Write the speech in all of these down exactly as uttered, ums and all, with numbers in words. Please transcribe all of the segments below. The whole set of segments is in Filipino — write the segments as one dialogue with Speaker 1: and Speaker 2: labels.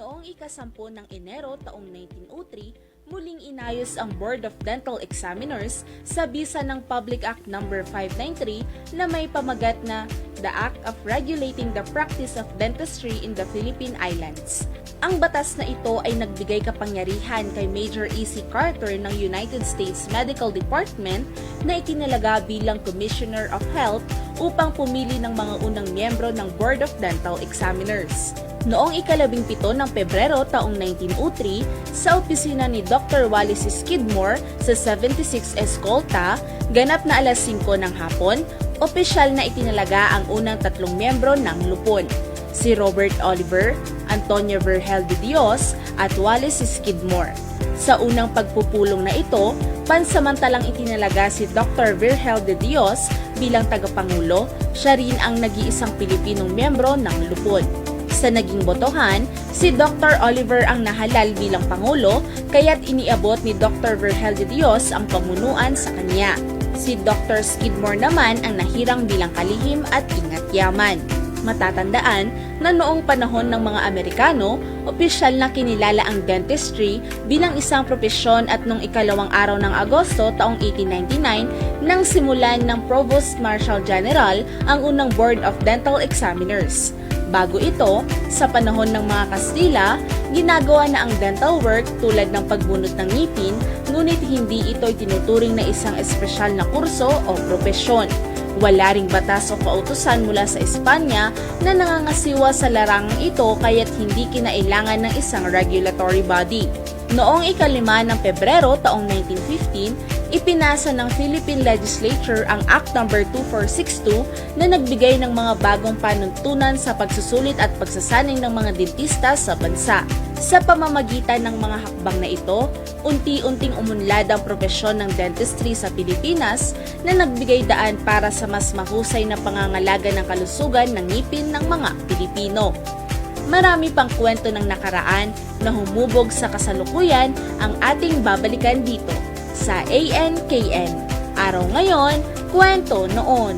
Speaker 1: Noong ikasampu ng Enero taong nineteen oh three, muling inayos ang Board of Dental Examiners sa bisa ng Public Act number five ninety-three na may pamagat na The Act of Regulating the Practice of Dentistry in the Philippine Islands. Ang batas na ito ay nagbigay kapangyarihan kay Major E C Carter ng United States Medical Department na itinalaga bilang Commissioner of Health upang pumili ng mga unang miyembro ng Board of Dental Examiners. Noong ikalabing pito ng Pebrero taong nineteen oh three, sa opisina ni Doctor Wallace Skidmore sa seventy-six Escolta, ganap na alas singko ng hapon, opisyal na itinalaga ang unang tatlong miyembro ng lupon, si Robert Oliver, Antonio Virgel de Dios at Wallace Skidmore. Sa unang pagpupulong na ito, pansamantalang itinalaga si Doctor Virgel de Dios bilang tagapangulo, siya rin ang nag-iisang Pilipinong miyembro ng lupon. Sa naging botohan, si Doctor Oliver ang nahalal bilang Pangulo, kaya't iniabot ni Doctor Virgel de Dios ang pamunuan sa kanya. Si Doctor Skidmore naman ang nahirang bilang kalihim at ingat yaman. Matatandaan na noong panahon ng mga Amerikano, opisyal na kinilala ang dentistry bilang isang propesyon at noong ikalawang araw ng Agosto taong eighteen ninety-nine nang simulan ng Provost Marshal General ang unang Board of Dental Examiners. Bago ito, sa panahon ng mga Kastila, ginagawa na ang dental work tulad ng pagbunot ng ngipin, ngunit hindi ito tinuturing na isang espesyal na kurso o propesyon. Wala ring batas o kautusan mula sa Espanya na nangangasiwa sa larangang ito kaya't hindi kinailangan ng isang regulatory body. Noong ikalima ng Pebrero taong nineteen fifteen, ipinasa ng Philippine Legislature ang Act number two four six two na nagbigay ng mga bagong panuntunan sa pagsusulit at pagsasanay ng mga dentista sa bansa. Sa pamamagitan ng mga hakbang na ito, unti-unting umunlad ang propesyon ng dentistry sa Pilipinas na nagbigay daan para sa mas mahusay na pangangalaga ng kalusugan ng ngipin ng mga Pilipino. Marami pang kwento ng nakaraan na humubog sa kasalukuyan ang ating babalikan dito sa A N K N. Araw ngayon, kwento noon.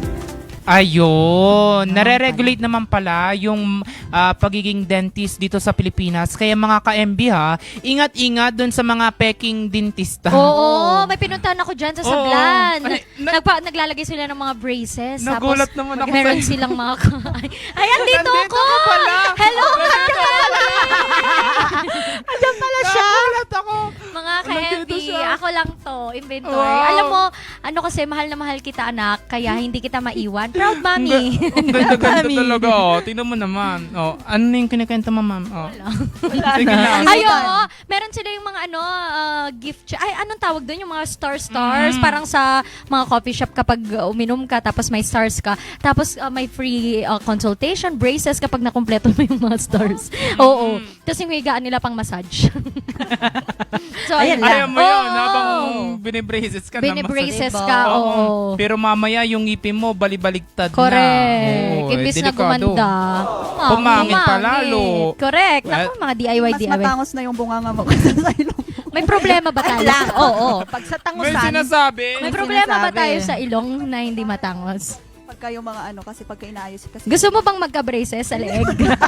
Speaker 2: Ayun, nare-regulate naman pala yung ah, pagiging dentist dito sa Pilipinas. Kaya mga ka-M B ha, ingat-ingat dun sa mga peking dentista.
Speaker 3: Oo, may pinuntahan ako dyan sa
Speaker 2: Oo.
Speaker 3: Sablan.
Speaker 2: Ay, na-
Speaker 3: Nagpa, naglalagay sila ng mga braces.
Speaker 2: Nagulat
Speaker 3: tapos,
Speaker 2: naman ako
Speaker 3: meron
Speaker 2: sa'yo.
Speaker 3: silang mga... Ay, andito
Speaker 2: Nandito
Speaker 3: ako!
Speaker 2: ka pala.
Speaker 3: Hello!
Speaker 2: Nandito ka pala.
Speaker 3: Andyan pala siya!
Speaker 2: Nagulat ako.
Speaker 3: Mga ka-M B,
Speaker 2: Nandito siya.
Speaker 3: ako lang to, inventor.
Speaker 2: Wow.
Speaker 3: Alam mo, ano kasi, mahal na mahal kita anak, kaya hindi kita maiwan. Proud mommy.
Speaker 2: Ang ganda-ganda talaga. Oh. Tingnan mo naman. Oh, ano na yung kinikenta mo, ma'am? Oh. Sige na.
Speaker 3: Ay, oo. Meron sila yung mga ano, ah, gift. cha- Ay, anong tawag doon? Yung mga star-stars.
Speaker 2: Mm.
Speaker 3: Parang sa mga coffee shop kapag uh, uminom ka, tapos may stars ka. Tapos uh, may free uh, consultation, braces kapag nakumpleto mo yung mga stars. Oo. Tapos yung higaan nila pang massage. So,
Speaker 4: Ayan
Speaker 3: ayun
Speaker 4: lang.
Speaker 2: Ayaw mo yun,
Speaker 3: Oo.
Speaker 2: habang binibraces ka na.
Speaker 3: Binibraces
Speaker 2: masakit.
Speaker 3: ka,
Speaker 2: Oo.
Speaker 3: oo.
Speaker 2: Pero mamaya yung ngipin mo, balibaligtad na.
Speaker 3: Correct.
Speaker 2: Oo,
Speaker 3: Imbis na
Speaker 2: delikado.
Speaker 3: gumanda. Ah,
Speaker 2: Pumangit pa lalo.
Speaker 3: Correct. Naku,
Speaker 2: Well,
Speaker 3: mga D I Y,
Speaker 4: Mas
Speaker 3: D I Y.
Speaker 4: matangos na yung bunganga mo kaysa sa ilong mo.
Speaker 3: May problema ba tayo?
Speaker 4: Ay lang,
Speaker 3: Oo.
Speaker 4: oo. Pag sa
Speaker 2: May
Speaker 4: tangusan,
Speaker 2: sinasabi.
Speaker 3: May
Speaker 4: May
Speaker 3: problema ba
Speaker 4: sinasabi.
Speaker 3: tayo sa ilong na hindi matangos?
Speaker 4: pagka yung mga ano, kasi pagka inaayos kasi.
Speaker 3: Gusto mo bang magka-braces sa leeg?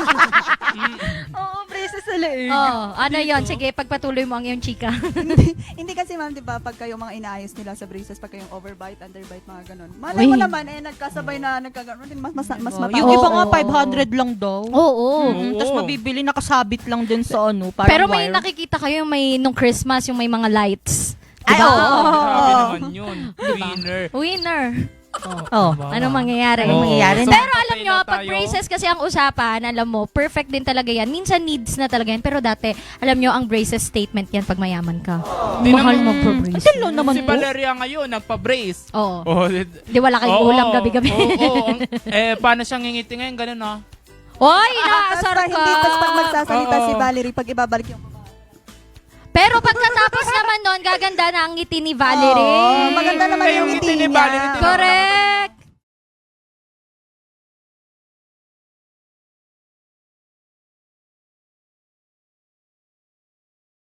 Speaker 4: Oo, braces sa leeg.
Speaker 3: Oo. Ano yon? Sige, pagpatuloy mo ang iyong chika.
Speaker 4: hindi, hindi kasi ma'am, di ba, pagka yung mga inaayos nila sa braces, pagka yung overbite, underbite, mga ganun. Malay mo
Speaker 3: Uy.
Speaker 4: naman, eh, nagkasabay na nagkaganon din, mas, mas, mas
Speaker 5: Oh,
Speaker 4: matangos.
Speaker 5: yung iba nga
Speaker 3: Oo.
Speaker 5: five hundred lang daw.
Speaker 3: Oo.
Speaker 5: Mm, Tapos mabibili nakasabit lang din sa ano, parang
Speaker 3: Pero may
Speaker 5: wire.
Speaker 3: nakikita kayo yung may nung Christmas, yung may mga lights.
Speaker 4: Ay,
Speaker 3: Diba?
Speaker 4: oo.
Speaker 2: Grabe naman yun. Winner.
Speaker 3: Winner.
Speaker 5: Oh.
Speaker 3: Anong mangyayari?
Speaker 5: Anong mangyayari?
Speaker 2: So,
Speaker 3: Pero alam
Speaker 2: patay
Speaker 3: nyo,
Speaker 2: na
Speaker 3: pag
Speaker 2: tayo.
Speaker 3: braces kasi ang usapan, alam mo, perfect din talaga yan. Minsan needs na talaga yan. Pero dati, alam nyo, ang braces statement yan pag mayaman ka.
Speaker 2: Di
Speaker 3: Mahal
Speaker 2: naman-
Speaker 3: magpa-braces.
Speaker 5: Ito lang naman
Speaker 2: Si
Speaker 5: po.
Speaker 2: Valeria ngayon, nagpa-brace.
Speaker 3: Oo.
Speaker 2: Oh,
Speaker 3: Di wala kayong
Speaker 2: oo,
Speaker 3: ulam gabi-gabi.
Speaker 2: Oo, oo. Ang- eh, paano siyang ngingiti ngayon? Ganun, oh.
Speaker 3: Oy,
Speaker 4: Tapos
Speaker 3: inaasar
Speaker 4: pa,
Speaker 3: ka.
Speaker 4: hindi, tapos pag magsasalita
Speaker 2: Oo.
Speaker 4: si Valerie, pag ibabalik yung
Speaker 3: Pero pagkatapos naman nun, gaganda na ang ngiti ni Valerie.
Speaker 4: Oo, maganda naman
Speaker 2: Eh,
Speaker 4: yung
Speaker 2: yung
Speaker 4: ngiti
Speaker 2: ngiti ni
Speaker 4: niya.
Speaker 2: Valerie, tingnan mo
Speaker 3: Correct.